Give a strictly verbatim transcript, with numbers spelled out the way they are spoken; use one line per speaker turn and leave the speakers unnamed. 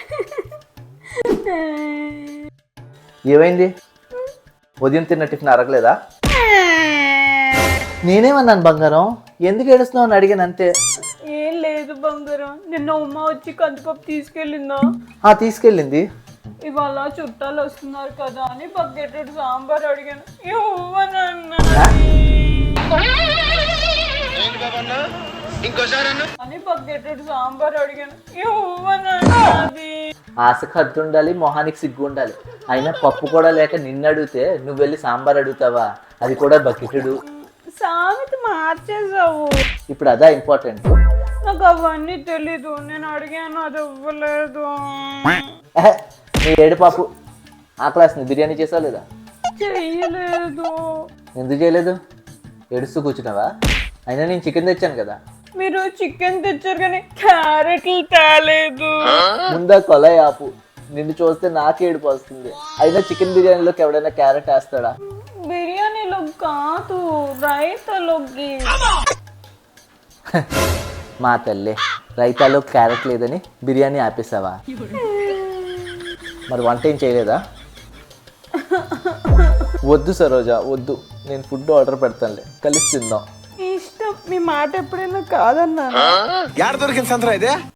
ఏమైంది? ఉదయం తిన్న టిఫిన్ అరగలేదా? నేనేమన్నాను బంగారం, ఎందుకు ఏడుస్తున్నావు అని అడిగాను అంతే.
ఏం లేదు బంగారం, నిన్న ఉమ్మ వచ్చి కందిపప్పు తీసుకెళ్ళిందా?
ఆ తీసుకెళ్ళింది.
ఇవాళ చుట్టాలు వస్తున్నారు కదా అని బకెట్ సాంబార్ అడిగాను, అని బకెట్ సాంబార్ అడిగాను.
ఆశకు హద్దు ఉండాలి, మొహానికి సిగ్గు ఉండాలి. అయినా పప్పు కూడా లేక నిన్ను అడిగితే నువ్వు వెళ్ళి సాంబార్ అడుగుతావా? అది కూడా బకెటుడు.
సామెత మార్చేసావు.
ఇప్పుడు అదా ఇంపార్టెంట్.
నాకు అవన్నీ తెలీదు, నేను అడిగాను అది ఇవ్వలేదు.
నీ ఏడు పాపు ఆ క్లాస్ని బిర్యానీ చేసావు లేదా?
చెయ్యలేదు.
ఎందుకు చేయలేదు? ఏడుస్తూ కూర్చున్నావా? అయినా నేను చికెన్ తెచ్చాను కదా.
మీరు చికెన్ తెచ్చారు కానీ క్యారెట్లు తేలేదు.
ముందా కొలై ఆపు, నిన్ను చూస్తే నాకే ఏడుపు వస్తుంది. అయినా చికెన్ బిర్యానీలోకి ఎవడైనా క్యారెట్ వేస్తాడా?
బిర్యానీలో కాదు, రైతాలోకి.
మా తల్లి, రైతాలో క్యారెట్ లేదని బిర్యానీ ఆపేసావా? మరి వంట ఏం చేయలేదా? వద్దు సరోజా వద్దు, నేను ఫుడ్ ఆర్డర్ పెడతానులే, కలిసి తిందాం.
ఇష్టం, మీ మాట ఎప్పుడైనా కాదన్నా.
యాడ దొరికింది సంతరా ఇదే?